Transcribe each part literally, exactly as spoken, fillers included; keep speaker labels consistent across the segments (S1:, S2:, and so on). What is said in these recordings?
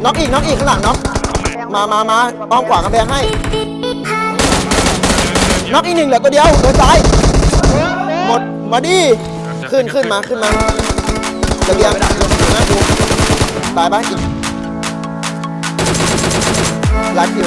S1: น็อกอีกน็อกอีกข้างหลังน็อกมามามาอ้อมขวากำแพงให้น็อกอีกหนึ่งเหลือตัวเดียวเดินซ้ายหมดมาดิขึ้นขึ้นมาขึ้นมาระเบียงนะดูตายบ้างอีกลัดอยู่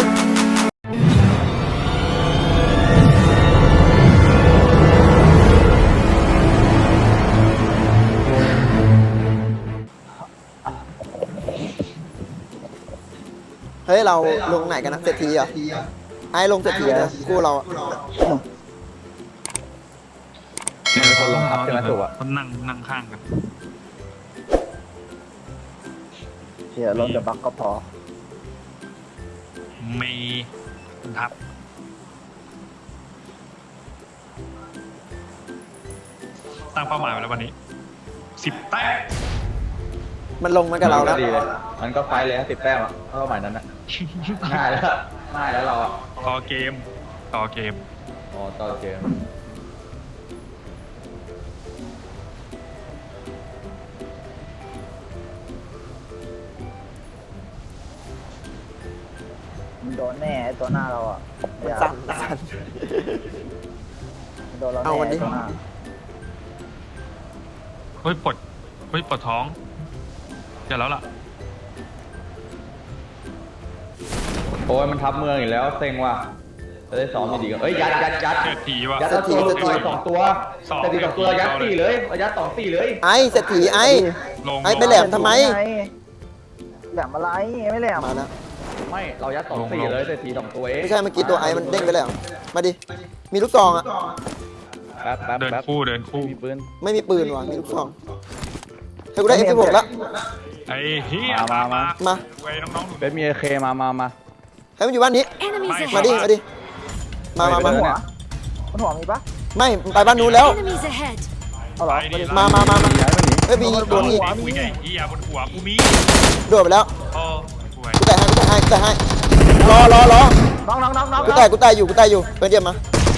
S1: เฮ้ยเราลงไหนกันนะเศรษฐีเหรอไอ้ลงเศรษฐีนะกู้เราอะ
S2: คนลงครับใช่ไหมถูกอ่ะคนนั่งนั่งข้างกัน
S3: เชียร์รถจะบักก็พอ
S2: มีทับตั้งเป้าหมายไว้แล้ววันนี้สิบแต้ม
S1: มันลงมากับเราแล้ว
S4: ดีเลยมันก็ไฟเลยสิบแต้มอ่ะเป้าหมายนั้นอ่ะง่ายแล้วง่ายแล้วเราอ่ะ
S2: ต่อเกมต่อเกม
S4: อ๋อต่อเกม
S3: มันโดนแน่ตัวหน้าเราอ่ะ
S1: สั่นสั่น
S3: โดนเราแน่ตัวหน้า
S2: เฮ้ยปวดเฮ้ยปวดท้องอย่าแล้วล่ะ
S4: โอ้ยมันทับเมืองอีกแล้วเซ็งว่ะจะได้ซ้อมดีๆกันเอ้ยยัดยัดยัด
S2: เศรษฐีว่ะ
S4: ยัดตัวสองตัวเศรษฐีสองตัวยัดตีเลยยัดสองตีเลย
S1: ไอ้เศรษฐีไอ้ไอ้ไปแหลมทำไม
S3: แหลมอะไรไม่แหลม
S1: มาแล้ว
S4: ไม่เรายัดสองตีเลยเศรษฐีสองตัวเอง
S1: ไม่ใช่เมื่อกี้ตัวไอ้มันเด้งไปแล้วมาดิมีลูกซองอ่ะ
S4: แป๊บแป๊บ
S2: เดินคู่เดินคู่
S4: มีปืน
S1: ไม่มีปืนว่ะมีลูกซองให้กูได้ เอฟ สิบหก แล้ว
S2: ไอ้เฮีย
S4: มามา
S1: มา
S2: เว้ยน้องๆ
S4: เป็นมีเคมามามา
S1: ให้มันอยู่บ้านนี้มาดิมาดิมามามา
S3: หัวมันหัวมีปะ
S1: ไม่ไปบ้านนู้นแล้ว
S3: เอาหรอ
S1: มามามามาเฮ้ยมีโดนอีก
S2: กูไงเฮียบนหัวกูมี
S1: โดดไปแล้ว
S2: โอ้สวย
S1: กูแต่ให้กูแต่ให้กูแต่ให้รอรอรอ
S3: น้องน้องน้องน้อง
S1: กูแต่กูแต่อยู่กูแต่อยู่เพื่อนเดียมมา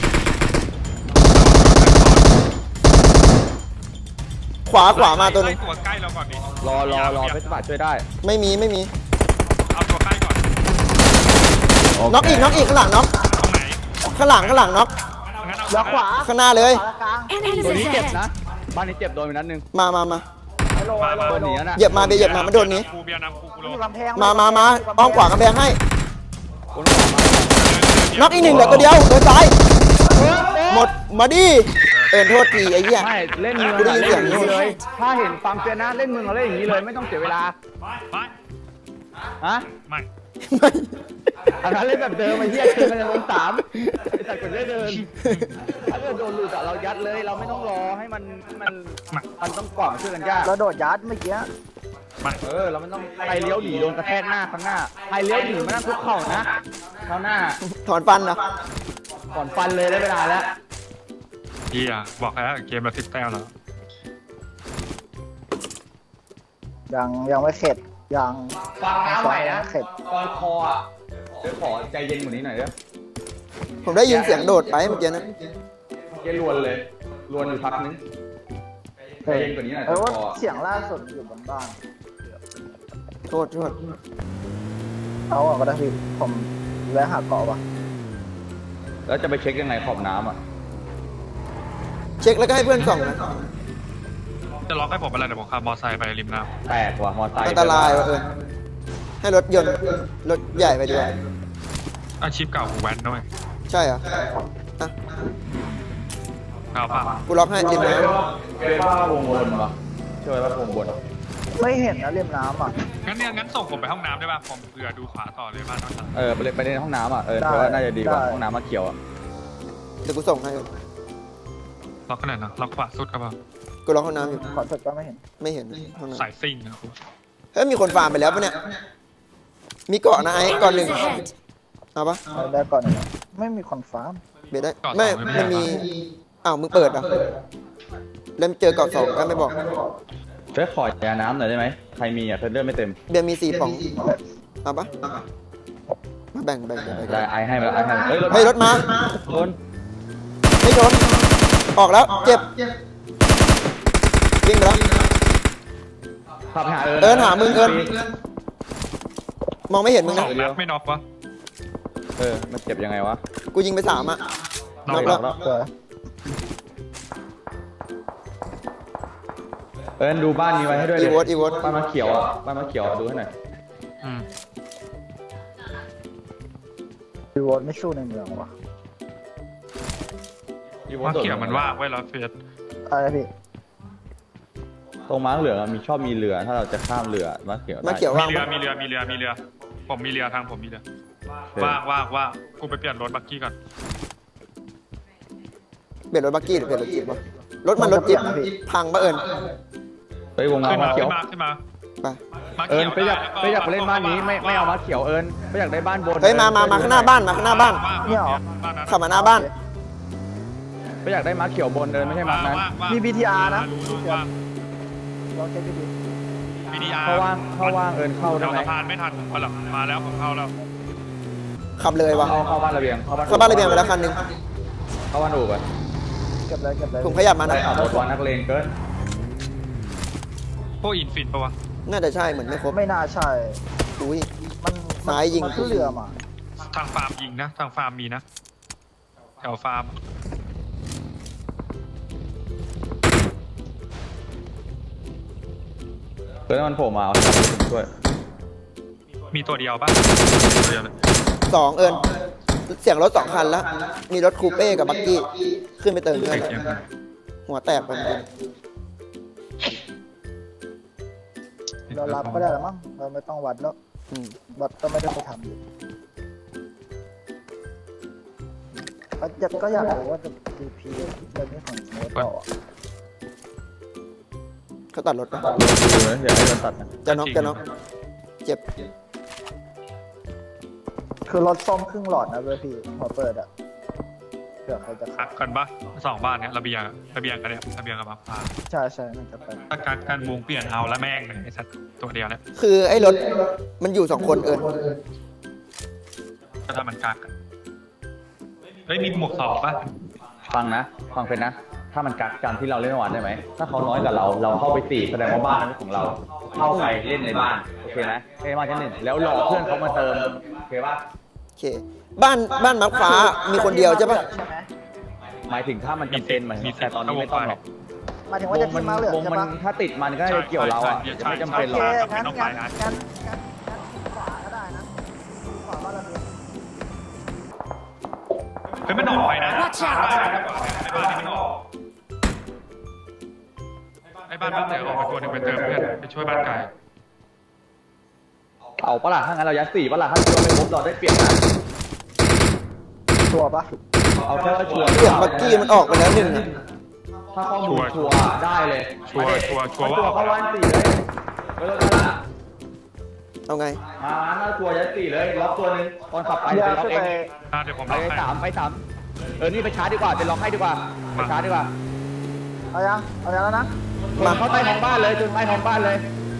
S1: ขวาขวามาตัวนึง
S2: ตัวใกล้เราก่อนดิ
S4: รอรอรอเพชรบาทช่วยได้
S1: ไม่มีไม่มี
S2: เอาตัวใกล้ก่อน
S1: น็อกอีกน็อกอีกข้างหลังน็อก
S2: ตรงไหน
S1: ข้างหลังข้างหลังน็อก
S3: ล็อกขวา
S1: ข้างหน้าเลย
S4: ตัวนี้เจ็บนะบ้านนี้เจ็บโดนไปนัดนึง
S1: มามามา
S4: โดนหนีนะ
S1: เหยียบมาเบียเหยียบมามันโดนนี้มามามาอ้อมขวากำแพงให้น็อกอีกหนึ่งเหลือตัวเดียวเดินซ้ายหมดมาดิเอ็นโทษทีไอ้เหี้ย
S4: ไม่เล่นมือเล่นอย่างนี้เลยถ้าเห็นฟังเสียนะเล่นมือเราเล่นอย่างนี้เลยไม่ต้องเสียเวลาฮะ
S2: ไม่
S4: อันนั้นเล่นแบบเดิมไอ้เหี้ยคือมันจะลงสามไอ้สัตว์กดได้เดินถ้าเกิดโดนหลุดอะเรายัดเลยเราไม่ต้องรอให้มันมันมันต้องกล่อมช่วยกันยาก
S3: เราโดดยัดเมื่อกี้
S4: เออเราไม่ต้องไปเลี้ยวหนีโดนกระแทกหน้าข้างหน้าไปเลี้ยวหนีไม่ต้องทุกเข่านะเท้าหน้า
S1: ถอนฟันนะ
S4: ถอนฟันเลยได้เวลาแล้ว
S2: เฮียบอกแล้วเกมเราสิบแต้มแล้ว
S3: ยังยังไม่เข็ดยัง
S4: ฟังน้ำใหม่นะตอนคออ่ะเดี๋ยวขอใจเย็นกว่านี้หน่อยเด้อ
S1: ผมได้ยินเสียงโดดไปเมื่อกี้นะ
S4: เย็นรวนเลยรวนอยู่พักนึงใจเย็นกว่านี้หน่อย
S3: เออว่าเสียงล่าสุดอยู่บนบ้าน
S1: โทษโทษ
S3: เอาอ่ะก็ได้พี่ผมแวะหาเกาะว่ะ
S4: แล้วจะไปเช็คยังไงขอบน้ำอ่ะ
S1: เช็คแล้วก็ให้เพื่อนส่องนะ
S2: จะล็อกให้ผมอะไรเดี๋ยวผมขับมอเตอร์ไซค์ไปริมน้
S4: ำแตกว่ะมอเตอร์ไซค์
S1: อันตรายว่ะเออให้รถยนต์รถใหญ่ไปด้วย
S2: อาชีพเก่ากูแว้นด้วย
S1: ใช่เหรออ่ะ
S2: เอาป่ะ
S1: กูล็อกให้ริมน้
S4: ำเป็นว่าวงบนปะช่วยว่าวงบน
S3: ไม่เห็นนะริมน้ำอ่ะ
S2: งั้นเนี่ยงั้นส่งผมไปห้องน้ำได้ป่ะผมเผื่อดูขวาต่อเลยบ้านน้องฉัน
S4: เออไปไปในห้องน้ำอ่ะเออเพราะว่าน่าจะดีกว่าห้องน้ำมาเขียวอ่ะ
S1: เดี๋ยวกูส่งให้
S2: ล็อกขนาดนะล็อกขวาสุดครับ
S1: กูล็อกห้องน้ำอยู่
S3: ขอสุดก็ไม่เห็น
S1: ไม่เห็นห้องน้ำ
S2: สายซิ่งนะ
S1: เฮ้ยมีคนฟาร์มไปแล้วปะเนี่ยมีเกาะนะไอ้ก่อนหนึ่งเอาปะ
S3: ได้ก่อนไม่มีคนฟาร์ม
S1: เบียดได้ไม่ไม่มีอ้าวมึงเปิดอ่ะแล้วเจอเกาะสองก็ไม่บอก
S4: เพื่อขอยาน้ำหน่อยได้ไหมใครมีอ่ะเพื่อนเลือดไม่เต็ม
S1: เบียร์มีสี่ป่องเอาปะมาแบ่งแบ่ง
S4: ได้ไอให้มาไอให้
S1: เฮ้ยรถมา
S4: ชน
S1: ไม่ชนออกแล้วเจ็บวิ่งไปแล้ว
S4: ขับหาเอิญ
S1: เอิญหามึงเอิญมองไม่เห็นมึง
S2: ส
S1: นะ
S2: องนัดไม่น็อกวะ
S5: เออมันเจ็บยังไงวะ
S1: กูยิงไปสามอะ
S2: น็อก
S1: น็
S2: แล้
S1: อก
S2: ว
S1: แล้ว
S3: สวย
S5: เอิญดูบ้านนี้ไว้ให้ด้วย
S1: อี
S5: เลย
S1: โวตอีโวต
S5: บ้านมะเขียวอ่ะบ้านมะเขียวอะดูให้หน่อย
S2: อืม
S3: ดีวอร์ไม่สู้ในเมืองวะ
S5: อีโว
S2: ว่า
S5: โดด
S2: เขียวมันว่างไว้แล้วเฟส
S3: อะไรพี่
S5: ตรงม้าเหลืองอะมีชอบมีเรือถ้าเราจะข้ามเรือมะเขียวได้
S1: มาเขียว
S2: มี
S1: ว่าง
S2: เรือ
S1: ปะ
S2: มีเรือมีเรือมีเรือ ผมมีเรือทางผมมีเรือ
S5: เออ
S2: ว่างว่างว่างกูไปเปลี่ยนรถบักกี้ก่อน
S1: เปลี่ยนรถบักกี้หรือเปลี่ยนรถจิ๊บวะรถมันรถจิ๊บพังปะเอิญ
S5: ไปวง
S2: ขึ้น
S5: ม้าม
S2: ะ
S5: เขี
S2: ขึ้
S5: ยวน
S2: มาขึ้นมา
S1: ไป
S2: มา
S4: เอิ
S2: เขี
S4: ญ
S2: ยว
S4: ไปอยากไปอยากไปเล่นบ้านนี้ไม่ไม่เอามาเขียวเอิญไปอยากได้บ้านบน
S1: เฮ้ยมามามาข้างหน้าบ้านมาข้างหน้าบ้าน
S2: ว่าง
S3: เนี่ยเหรอ
S2: บ้านนั้น
S1: ขับมาหน้าบ้าน
S4: ไปอยากได้มาเขียวบนเอิญไม่ใช่มา
S2: ว่าง
S4: นั้น
S2: ว่างว่าง
S3: มี บี ที อาร์ นะ
S2: รู้รู้ว่าง
S3: ลองเช็คดี
S2: บีดีอาร์
S4: เขาว่างเขาว่างเอิญเข้าได้
S2: เดี๋ยว
S4: ไหม
S2: สะพานไม่ทันผมก็หลับมาแล้วผมเข้าแล้ว
S1: ขับเลยวะ
S4: เอาเข้าบ้านระเบียงเข้าบ้าน
S1: เข้าบ้านระเบียงไปแล้วคันหนึง
S4: เข้าบ้านอู่ไป
S3: ๆเก็บเลยเก็บเลย
S1: ผมขยับมา
S4: ได้
S1: นะ
S4: ขับรถวันนักเลงเกิน
S2: พวกอินฟินปะวะ
S1: น่าจะใช่เหมือนไม่ครบ
S3: ไม่น่าใช่
S1: อุ้ย
S3: มัน
S1: ซ้ายยิง
S3: มันขึ้นเรือมา
S2: ทางฟาร์มยิงนะ ทางฟาร์มมีนะ แถวฟาร์ม
S5: เกิดมันโผล่มาเอาให้ผมช่วย
S2: มีตัวเดียวปะตัวเดียวเลย
S1: สองเอิญเสียงรถสองคันแล้ว มีรถคูเป้กับบักกี้ขึ้นไปเติมเพื่อน
S2: เสียง
S1: หัวแตกไปหมดเลย
S3: เรารับก็ได้แล้วมั้งเราไม่ต้องวัดแล้ว
S1: อืม
S3: วัดก็ไม่ได้ไปทำอยู่ก็อยากก็อยากรู้ว่าจะ ดี พี เรื่องนี้ของสโมต่ออะ
S1: เขาตัดรถปะ
S5: ดูนะอย่าให้โดนตัดนะ
S1: จะน็อกจะน็อกเจ็บ
S3: คือรถซ่อมครึ่งหลอดนะเว้ยพี่พอเปิดอะเผื่อใครจะ
S2: คั
S3: ขั
S2: ก
S3: บ
S2: กันปะสองบ้านเนี้ยระเบียงระเบียงกันเนี่ยระเบียงกับบัฟฟ้า
S3: ใช่ใช่น่าจะไป
S2: ถ้าการการวงเปลี่ยนเอาแล้วแม่งเลยไอ้สัตว์ตัวเดียวเนี่ย
S1: คือไอ้รถมันอยู่สองคนเอิญ
S2: ก็ทำมันกักกันเฮ้ยมีหมวกสองปะ
S5: ฟังนะฟังเป็นนะ ถ้ามันกักกันที่เราเล่นเมื่อวานได้ไหมถ้าเขาน้อยกว่าเราเราเข้าไปตีแสดงว่าบ้านนั้นเป็นของเรา เข้าไปเล่นในบ้านโอเคไหมเล่นบ้านชั้นหนึ่งแล้วรอเพื่อนเขามาเติมโอเคป่ะ
S1: โอเค บ้านบ้านมักฟ้ามีคนเดียวใช่ปะ
S3: ใช่ไหม
S5: หมายถึงถ้ามันจำเป็นหมายถึงแต่ตอนนี้ไม่ต้องหรอก
S3: หมายถึงว่าจะทิ้งมาเหลือง
S5: วง
S3: ใช่
S5: มัน
S3: ปะ
S5: ถ้าติดมันก็จะเกี่ยวเราอ่ะจะไม่จำเป็นหร
S3: โอ
S5: อก
S3: เคงั้นงั้นงั้นงั้นงั้นขวาก็ได้นะขวาบ้านระเบียง
S2: เฮ้ยมันออกไปนะ
S6: Watch out
S2: ไอ้บ้านนี้มันออกไอ้บ้านบ้านเดี๋ยวออกไปตัวหนึ่งไปเติมเพื่อนไปช่วยบ้านไก่
S5: เอาปะล่ะถ้างั้นเรายัดสี่ปะล่ะถ้าเราไม่ครบเราได้เปลี่ยนนะ
S3: ชัวร์ปะ
S5: เอาแค่ว่าชัวร์
S1: เสียงบักกี้มันออกไปแล้วหนึ่งอะ
S5: ถ้าข้อมูลชัวร์ได้เลย
S2: ชัวร์ชัวร์ชัวร์ว่า
S5: ชัว
S2: อ
S5: ร์
S2: อก
S5: เข้า
S2: ไป
S5: วันสี่เลยไม่ต้องกันละ
S1: เอาไง
S5: มาถ้าชัวร์ยัดสี่เลยล็อกตัวหนึงตอนขับไป
S3: เรือ
S5: เป็นล็อก
S3: ขึ้น
S5: เอ
S3: ไป
S5: ง
S2: อ่ะเดี๋ยวผม
S4: ไป
S2: ล็อกให้
S4: สามไปสามเออนี่ไปชาร์จดีกว่าไปล็อกให้ดีกว่าไปชาร์จดีกว่า
S3: เอายังเอายังแล้วนะ
S4: มาเข้าใต้ท้องบ้านเลยจนใต้ท้องบ้านเลย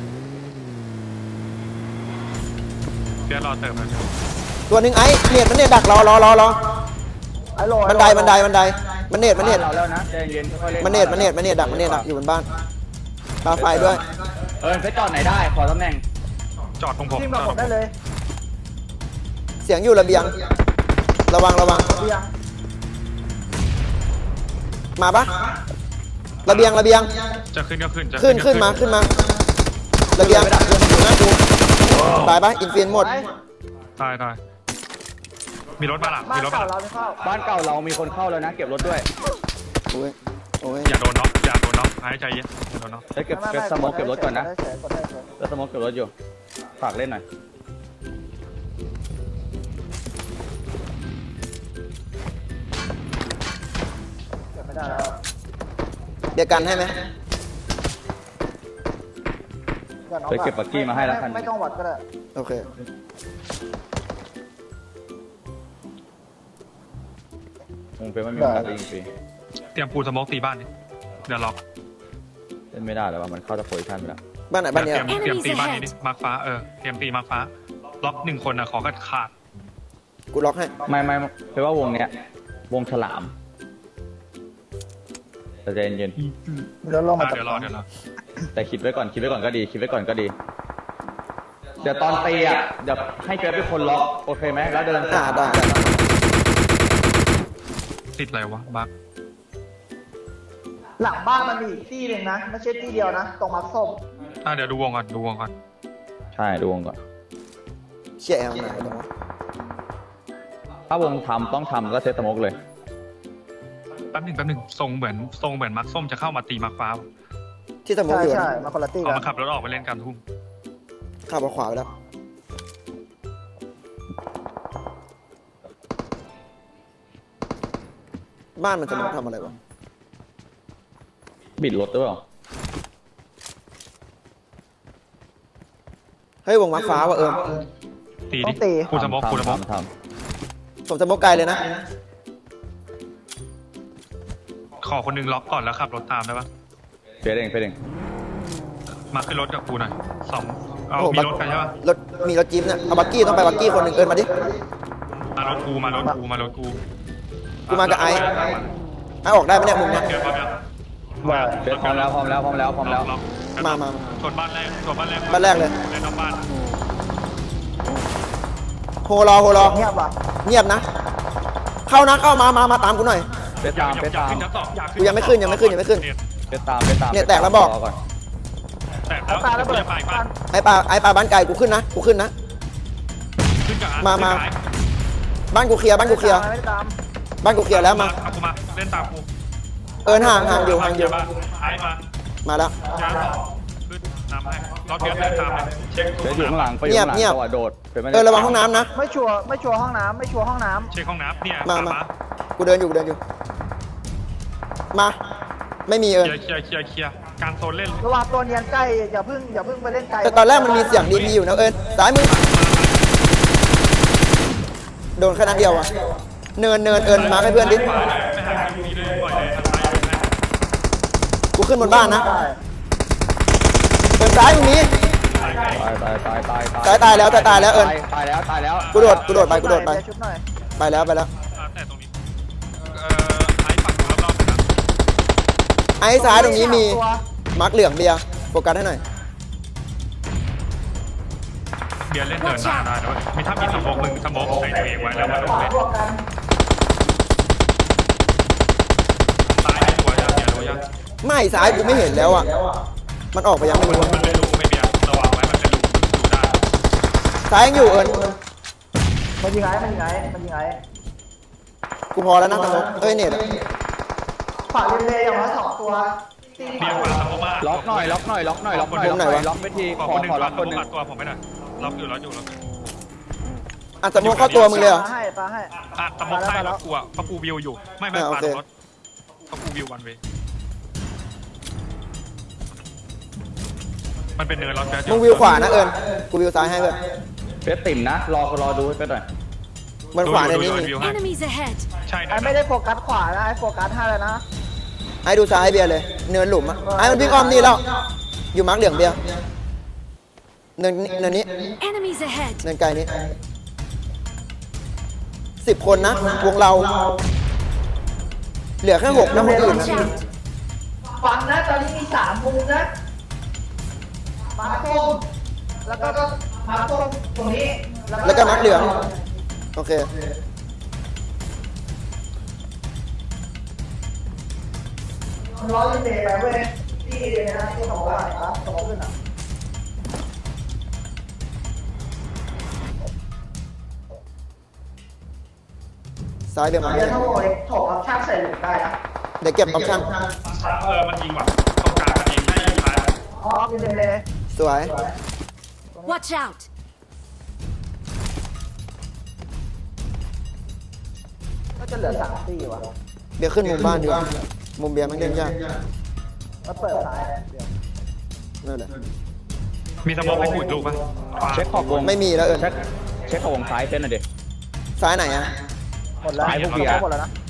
S2: เดี๋ยวรอเติมเลย
S1: ตัวหนึ่งไอ้เน็ตมันเน็ตดักรอรอรอรอ
S3: ไอ้โหล
S1: บันไดบันไดบันไดมันเน็ตมันเน็ต
S4: เราแล้วนะใจเย็นค่อยๆเล่น
S1: มันเน็ตมันเน็ตมันเน็ตดักมันเน็ตดักอยู่บนบ้านปาไฟด้วย
S4: เออไปจอดไหนได้ขอตำแหน่ง
S2: จอดตรงผม
S3: ทีม
S2: จ
S3: กั
S2: อบ ด
S3: ผ
S2: ตร
S3: ม
S2: งผ
S3: ได้
S2: ม
S3: เลย
S1: เสียงอยู่ระเบียง ระวังระวัง
S3: เบียง
S1: มาปะระเบียงระเบียง
S2: จะขึ้นก็ขึ้นจะ
S1: ขึ้นขึ้นมาขึ้นมา ระเบียงอยู่หน้ากูตายปะอินฟินหมด
S3: ไป
S2: ตายตายมีรถมาหลัง
S3: บ้า
S2: มี
S3: น
S2: รถมา
S3: เก่า
S2: หลัง
S3: เราไม่เข้า
S4: บ้านเก่าเรามีคนเข้าแล้วนะ เก็บรถด้วย
S1: โอ้ยโอ้ย
S2: อย่าโดนน็อกอย่าโดนน็อกหายใจเย็นอย่าโดนน็อก
S5: เฮ้ยเก็บ
S3: ไม่
S5: เก็บ
S3: ไม่
S5: สโมกเก็บรถก่อนนะ
S3: ได้เฉยกดได้เฉย
S5: แล้วสโมกเก็บรถอยู่ฝากเล่นหน่อย
S3: เก็บไม่ได้แล้ว
S1: เดี๋ยวกันให้ไหม
S3: อย่าน็อก
S5: เฮ้ยเก็บบักกี้มาให้แล้วคัน
S3: ไม่ต้องวัดก็ได้
S1: โอเค
S5: วงเป็นไม่มีโอกาสได้ยิงฟรี
S2: เตรียมปูสโมกตีบ้านนี่เดี๋ยวล็อก
S5: เล่นไม่ได้แล้วว่ามันเข้าตะโพยทันไปแล้ว
S1: บ้านไหนบ้านเนี้ย
S2: เตรียมเตรียมตีบ้านนี้ดิมาร์คฟ้าเออเตรียมตีมาร์คฟ้าล็อกหนึ่งคนนะขอกัดขาด
S1: กูล็อกให้
S5: ไม่ไม่เพราะว่าวงเนี้ย วงฉลามแต่ใจเย็น
S3: แล้วลงมา
S2: อ่ะ
S3: จาก
S2: เดี๋ยวรอเดี๋ยวรอ
S5: ๆแต่คิดไว้ก่อนคิดไว้ก่อนก็ดีคิดไว้ก่อนก็ดีเดี๋ยวตอนตีอ่ะเดี๋ยวให้เจอเป็นคนล็อกโอเคไหมแล้วเดิน
S1: อ่าได้
S2: ติดอะไรวะบัก
S3: หลังบ้านมันมีอีกที่หนึ่งนะไม่ใช่ที่เดียวนะตรงมักส้ม
S2: อ่ะเดี๋ยวดูวงก่อนดูวงก่อน
S5: ใช่ดูวงก่อน
S1: เชี่ยแอลไหนตรงวะ
S5: ถ้าวงทำต้องทำก็เซตสโมกเลย
S2: แป๊บหนึ่งแป๊บหนึ่งทรงเหมือนทรงเหมือนมักส้มจะเข้ามาตีมักฟ้า
S1: ที่สมอง
S3: ใช่
S1: อยู่
S3: ใช่
S1: นะ
S3: มาคนละที่
S2: เอา
S3: กัน
S2: มาขับรถออกไปเล่นกันทุ่ม
S1: ขับมาขวาไปแล้วบ้านมันจะมาทำอะไรวะ
S5: บิดรถด้วยเหรอ
S1: เฮ้ยวงมาฟ้าว่ะเอิม
S2: ตี
S3: ต้
S2: ดิ
S3: องตี
S2: คูสมอกคูสมอก
S5: ทำท
S1: ผมจะมกไกลเลยนะ
S2: ขอคนหนึงล็อกก่อนแล้วขับรถตามได้ปะ
S5: ำเฟดเองเฟดเอง
S2: มาขึ้นรถกับกูหน่อยสองเอา
S1: โอ้โห
S2: มีรถกันใช่ปะ
S1: รถมีรถจี๊ปเนี่ยเอาบักกี้ต้องไปบักกี้คนหนึ่งเอินมาดิ
S2: มารถกูมารถกูมารถกู
S1: กูมากับไอ้ ไอ้ออกได้ไหมเนี่ยมุมเนี้ย
S2: เดี๋ยวปั๊บยัง
S3: ว่า
S5: เฟดพร้อมแล้วพร้อมแล้วพร้อมแล้วพร้อมแล้ว
S2: ล็อก
S1: มามา
S2: ชนบ้านแรกชนบ้านแรก
S1: บ้านแรกเลย
S2: เล่นนอกบ้าน
S1: โฮรอโฮรอ
S3: เงียบว่ะ
S1: เงียบนะ เข้านะเข้ามามามาตามกูหน่อย
S5: เฟด
S2: อย่า
S5: ตาม
S2: อย่า
S5: เฟด
S2: อย่า
S5: ตาม
S2: ขึ้นชั้นสองอย่าขึ้น
S1: กูยังไม่ขึ้นยังไม่ขึ้นยังไม่ขึ้น
S5: เฟดตามเฟดตาม
S1: เนี่ยแตกแล้วบอก
S5: รก่อน
S2: แต่
S3: เอาตาระเบิด
S2: ไปบ้าน
S1: ไอ้ปลาไอ้ปลาบ้านไก่กูขึ้นนะกูขึ้นนะ
S2: ขึ้นกับ
S1: มามา
S2: ขึ้นกับ
S1: บ้านกูเคลียร์บ้านกูเคลียร์
S3: ไม่ได้ตาม
S1: บ้านกูเคลียร์แล้วมา
S2: เอากูมาเล่นตามกู
S1: เอินห่างห่างอยู่ห่างอยู่
S2: ไอ้มา
S1: มาแล้ว
S2: ย้ายต่อขึ้นนำให้รถเบียร์เดินตามเลยเช็ค
S5: เฟดอยู่ข้างหลังไปอยู่ข้างหลัง
S1: เงียบ
S5: จังหวะโดดฟดไม่ได้
S1: เออระวังห้องน้ำนะ
S3: ไม่ชัวร์ไม่ชัวร์ห้องน้ำไม่ชัวร์ห้องน้
S2: เช็คห้องน้ำเนี่ย
S1: มา
S2: ตาม
S1: มา
S2: มา
S1: กูเดินอยู่กูเดินอยู่ มา ไม่มี
S2: เค
S1: เอิน
S2: ลียร์เคลียร์เคลียร์เคลียร์การโซนเล่น
S3: ำระหว่างตัวเนียนใกล้อย่าเพิ่งอย่าเพิ่งไปเล่นไกล
S1: แต่ตอนแรกมันมีเสียงดีพีอยู่นะเอินซ้ายมือโดนแค่นัดเดียวอะเนินเนินเอินมาให้เพื่อนดิ
S2: ขวาเลยไม่หาคิวนี้เลยปล่อยเลยทางซ้ายเลยนะ
S1: กูขึ้นบนบ้านนะ
S3: ได้
S1: เอินซ้ายตรงนี้
S5: ตายตายตายตาย
S1: ตายตายแล้วตายตายแล้วเอิญ
S5: ตายแล้วตายแล้ว
S1: กูโดดกูโดดไปกูโดดไป
S3: เยวชุบหน่อย
S1: ไปแล้วไปแล้ว
S2: อ่าแต่ตรงนี้เอ่อไอ้ฝั่งรอบๆนะ
S1: ไอ้ซ้ายตรงนี้มี
S3: ตัว
S1: มาร์กเหลืองเบียร์โฟกัสให้หน่อย
S2: เบียร์เล่นเดินหน้าได้ด้วยมีถ้ามีสมองมึงสมองใส่ตัวเองไว้แล้วมันลงเล่น
S3: บวกกัน
S2: ตายตัวยังเบียร์รู้ยัง
S1: ไม่ซ้ายกูไม่เห็นแล้วอ่ะมันออกไปยังไม่
S2: มัน
S1: รู้อะ
S2: มันเป็นหลุมไม่เบียร์ระวังไว้มันเป็นหลุมดูได้
S1: ซ้ายยังอยู่เอิญ
S3: มันยิงไงมันยิงไงมันยิงไง
S1: กูพอแล้วนะตะมกเอ้ยเน็ตอะ
S3: ฝากเล่นๆอย่างน้อยสองตัวตี
S2: เบียร์ปาสมองมา
S5: ล็อกหน่อยล็อกหน่อยล็อกหน่อยล็อกหน่อยล็อกหน่อยล็อกไปที
S2: ขอ
S5: ขอ
S2: คนหนึ่ง
S5: ขอ
S2: ปา
S5: ล็อก
S2: ส
S5: คน
S2: ม
S5: ห
S2: อง
S5: นึ่ง
S2: ปัดตัวผมไม่ได้ล็อกอยู่ล็อกอยู่ล็อกอยู่
S1: อ่ะตะมกเข้าตัวมึงเลยเหรอ
S3: ปาให้ปาให้
S2: อ่ะสมองใส่รถกูอ่ะเพราะกูวิวอยู่ไม่ไม่
S1: อ่าโอ
S2: ปา
S1: เค
S2: รถเพราะกูวิววันเวมันเป็นเนินล็อกแจ๊
S1: มึงวิวขวานะเอิญกูวิวซ้ายให้เพื่อน
S5: เฟสติ่มนะรอรอดูให้เฟสหน่อย
S1: มันขวาในนี้มี
S2: วิวให้
S6: Enemies ahead!
S2: ใช่
S3: ไอ้ไม่ได้โฟกัสขวานะไอ้โฟกัสให้เลยนะ
S1: ไอ้ดูซ้ายเบียร์เลย เนินหลุมอะไอ้มันวิ่งอ้อมนี่แล้ว อยู่มาร์กเหลืองเบียร์เนินเนินนี้
S6: Enemies ahead!
S1: เนินไกลนี้สิบคนนะวงเรา เหลือแค่หกนะคนอื่น
S6: Watch
S1: นะ
S6: out!
S3: ฟังนะตอนนี้มีสามมุมนะมาส้มแล้วก็มาส้มตรงนี้
S1: แล้วก็มาร์กเหลืองโอเค
S3: มันร้อยเดย์ไปเว้ยที่เดย์นะที่ของว่าอ่ะสมองขึ้นอ่ะ
S1: ซ้ายเบียร์มาร์กเห
S3: เดี๋
S1: ลื
S3: ยว
S1: อง
S3: ถ้าโวยถกเอาช่างใส่หลุมได้นะ
S1: เดี๋ยวเก็บออปชั่น
S2: เออมันยิงว่ะตรงกลางมันยิงให้ยิงท้าย
S3: อ๋อเป็นเดย์
S1: สวย
S6: Watch out!
S3: ก็จะเหลือสามตีว่ะ
S1: เบียร์ขึ้นมุมบ้านดีกว่ามุมเบียร์มันเล่นยาก
S3: มาเปิดซ้ายเดี๋ยว
S1: นั่นแหละ
S2: มีสมองให้กูอีกลูกปะ
S5: เช็คขอบวง
S1: ไม่มีแล้วเอิญ
S5: เช็คเช็คขอบวงซ้ายเฟสหน่อยดิ
S1: ซ้ายไหนอะ
S3: หมดแล้ว
S5: ซ้ายพวกเบียร์
S3: หมดแล้วนะ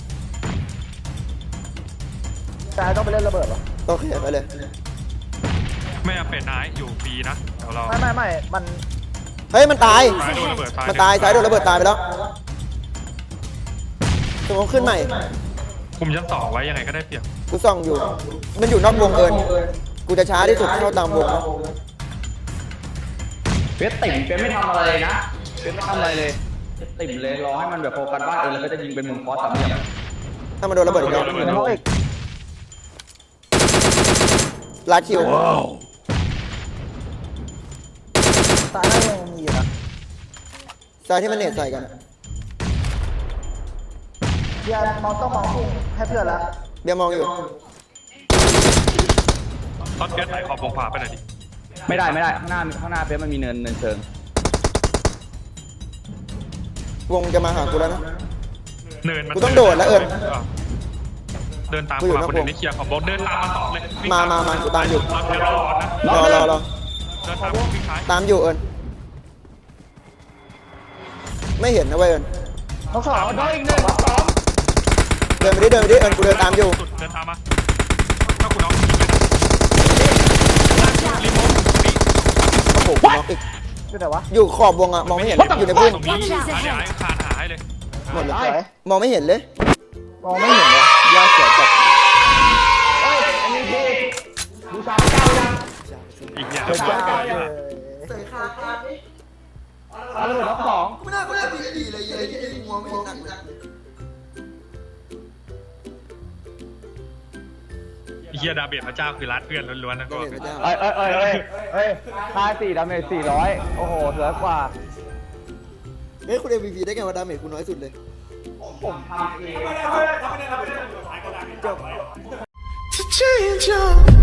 S3: ซ้ายต้องไปเล่นระเบิดเหรอ
S1: โอเคไปเลย
S2: ไม่เอาเป็ดนายอยู่ฟรีนะเดี๋ยวเรา
S3: ไม่ไม่ไม่มัน
S1: เฮ้ยมันตาย
S2: ซ้ายโดนระเบิดซ้าย
S1: มันตายซ้ายโดนระเบิดตายไปแล้วสมองขึ้นใหม่
S2: คุมชั้นสองไว้ยังไงก็ได้เปรียบ
S1: กูส่องอยู่ มันอยู่นอกวงเอิญกูจะช้าที่สุดเข้าตามวงนะ
S5: เฟียสติ่มเฟียสไม่ทำอะไรเลยนะเฟียสไม่ทำอะไรเลยเฟียสติ่มเลยรอให้มันแบบโฟกัสบ้านเองแล้วก็จะยิงเป็นมุมคอสสามเหลี่ยม
S1: ถ้ามันโดนระเบิดอีกแล้ว
S4: อยู่ในห้องอีก
S1: ลาดคิว
S4: ตายได้ยังมีอยู่นะ
S1: ซ้ายที่มันเน็ตใส่กันอะ
S4: เบียร์มองต้องมองพุ่งให้เพื่อนละ
S1: เบียร์มองอยู่
S2: ตอนแก๊สไหลขอบวงขวาไปหน่อยดิ
S5: ไม่ได้ไม่ได้ข้างหน้าข้างหน้าเฟียสมันมีเนินเนินเชิง
S1: วงจะมาหากูแล้วนะ
S2: เนินมัน
S1: กูต้องโดดแล้วเอิญ
S2: เดินตาม
S1: กูอยู่
S2: ขวา
S1: นะ
S2: คนอื่นนี่เคลียร์ขอบวงเดินตามมาต่อเลยวิ่ง
S1: มามามากูตามอยู่
S2: เราเดี๋ยวรอก่อนนะ
S1: รอรอรอ
S2: เดินตามวิ่งท้าย
S1: ตามอยู่เอิญไม่เห็นนะเว้ยเอิญ
S4: น้องสองน้องอีกหนึ่งสอง
S1: เดินไปดิเดินไปดิเอิญกูเดินตามอยู่
S2: สุดเดินตามมาถ้าคุณเอายิงไปรีโมทนี่
S1: โอ้โหกูน็อกอีก
S4: อยู่ไหนวะ
S1: อยู่ขอบวงอะมองไม่เห็นอยู่ในพุ่ม
S2: ตรงนี้หาเดี๋ยวไอ้คานหาให้เลย
S1: หมดเลยมองไม่เห็นเลย
S4: มองไม่เห็นเลยยาเสียจัดเฮ้ยอันนี้ดีบูชาเจ้ายัง
S2: อีกอย่าง
S4: บูชาเจ้ายัง
S1: ใส่ขาขาด
S4: เอาเลยน้องสอง
S1: ไม่น่ากูน่าดีดีเลยไอ้ไอ้มองไม่เห็นหนักเลย
S2: เฮียดาเบจพระเจ้าคือรัดเพื่อนล้วนๆนะก็
S1: เห็นพระเจ้า
S4: เอ้ยเอ้ยเอ้ยเอ้ยเฮ้ยค่าสี่ดาเมจสี่ร้อยโอ้โหเหลือกว่า
S1: เฮ้ยคุณ เอ็ม วี พี ได้ไงว่าดาเมจคุณน้อยสุดเลย
S4: ผมทำเอง
S1: to change your